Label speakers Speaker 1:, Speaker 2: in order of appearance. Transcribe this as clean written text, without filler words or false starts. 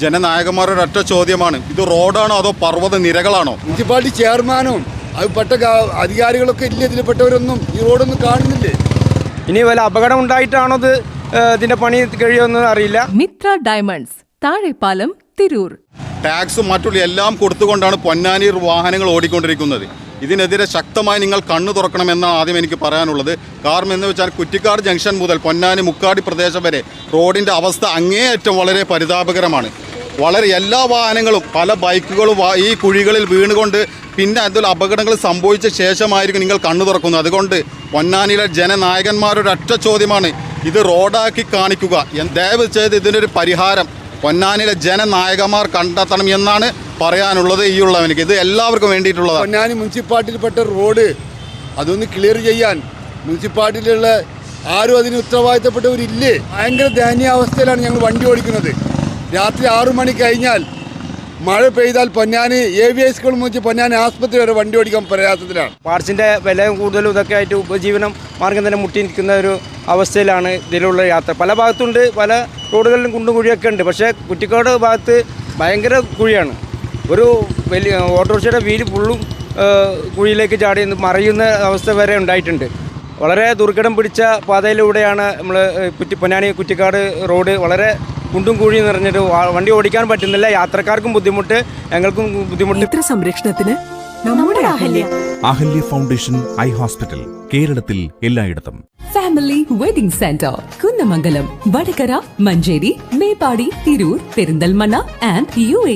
Speaker 1: ജനനായകന്മാരുടെ ഒറ്റ ചോദ്യമാണ്, ഇത് റോഡാണോ അതോ പർവ്വത നിരകളാണോ?
Speaker 2: മുനിസിപ്പാലിറ്റി ചെയർമാനും അത് പെട്ട അധികാരികളൊക്കെ ഇല്ല, ഇതിൽപ്പെട്ടവരൊന്നും ഈ റോഡൊന്നും കാണുന്നില്ലേ?
Speaker 3: ഇനി വല്ല അപകടം ഉണ്ടായിട്ടാണോ ഇതിന്റെ പണി കഴിയുമെന്ന് അറിയില്ല.
Speaker 4: മിത്ര ഡയമണ്ട്സ്, താഴെപ്പാലം, തിരൂർ.
Speaker 1: ടാക്സും മറ്റുള്ള എല്ലാം കൊടുത്തുകൊണ്ടാണ് പൊന്നാനി വാഹനങ്ങൾ ഓടിക്കൊണ്ടിരിക്കുന്നത്. ഇതിനെതിരെ ശക്തമായി നിങ്ങൾ കണ്ണു തുറക്കണമെന്നാണ് ആദ്യം എനിക്ക് പറയാനുള്ളത്. കാരണം എന്ന് വെച്ചാൽ കുറ്റിക്കാട് ജംഗ്ഷൻ മുതൽ പൊന്നാനി മുക്കാടി പ്രദേശം വരെ റോഡിൻ്റെ അവസ്ഥ അങ്ങേയറ്റം വളരെ പരിതാപകരമാണ്. വളരെ എല്ലാ വാഹനങ്ങളും പല ബൈക്കുകളും ഈ കുഴികളിൽ വീണുകൊണ്ട് പിന്നെ അതിൽ അപകടങ്ങൾ സംഭവിച്ച ശേഷമായിരിക്കും നിങ്ങൾ കണ്ണു തുറക്കുന്നത്. അതുകൊണ്ട് പൊന്നാനിയിലെ ജനനായകന്മാരുടെ ഒറ്റ ചോദ്യമാണ്, ഇത് റോഡാക്കി കാണിക്കുക. ദയവ് ചെയ്ത് ഇതിനൊരു പരിഹാരം പൊന്നാനിയിലെ ജനനായകന്മാർ കണ്ടെത്തണം എന്നാണ് പറയാനുള്ളത്. ഈ ഉള്ളവനിക്ക് ഇത് എല്ലാവർക്കും വേണ്ടിയിട്ടുള്ളതാണ്.
Speaker 2: പൊന്നാനി മുനിസിപ്പാലിറ്റിയിൽപ്പെട്ട റോഡ് അതൊന്ന് ക്ലിയർ ചെയ്യാൻ മുനിസിപ്പാലിറ്റിയിലുള്ള ആരും അതിന് ഉത്തരവാദിത്തപ്പെട്ടവരില്ലേ? ഭയങ്കര ദയനീയാവസ്ഥയിലാണ് ഞങ്ങൾ വണ്ടി ഓടിക്കുന്നത്. രാത്രി 6 മണി കഴിഞ്ഞാൽ മഴ പെയ്താൽ പൊന്നാനി AVI സ്കൂൾ മുതൽ പൊന്നാനി ആസ്പത്രി വരെ വണ്ടി ഓടിക്കാൻ പ്രയാസത്തിലാണ്.
Speaker 3: പാർട്സിന്റെ വില കൂടുതലും ഇതൊക്കെ ആയിട്ട് ഉപജീവനം മാർഗം തന്നെ മുട്ടി നിൽക്കുന്ന ഒരു അവസ്ഥയിലാണ് ഇതിലുള്ള യാത്ര. പല ഭാഗത്തുണ്ട്, പല റോഡുകളിലും കുണ്ടും കുഴിയൊക്കെ ഉണ്ട്. പക്ഷേ കുറ്റിക്കാട് ഭാഗത്ത് ഭയങ്കര കുഴിയാണ്. ഒരു വലിയ ഓട്ടോറിക്ഷയുടെ വീല് ഫുള്ളും കുഴിയിലേക്ക് ചാടി മറയുന്ന അവസ്ഥ വരെ ഉണ്ടായിട്ടുണ്ട്. വളരെ ദുർഘടം പിടിച്ച പാതയിലൂടെയാണ് നമ്മൾ പൊന്നാനി കുറ്റിക്കാട് റോഡ്. വളരെ കുണ്ടും കുഴി നിറഞ്ഞിട്ട് വണ്ടി ഓടിക്കാൻ പറ്റുന്നില്ല. യാത്രക്കാർക്കും ബുദ്ധിമുട്ട്, ഞങ്ങൾക്കും ബുദ്ധിമുട്ട്.
Speaker 4: നേത്ര സംരക്ഷണത്തിന് നമ്മുടെ Ahalya.
Speaker 5: Ahalya foundation eye hospital, കേരളത്തിൽ എല്ലായിടത്തും.
Speaker 4: Family wedding centre, Kunnamangalam, Vadakara, Manjeri, Meppadi, Tirur, Perinthalmanna and UAE.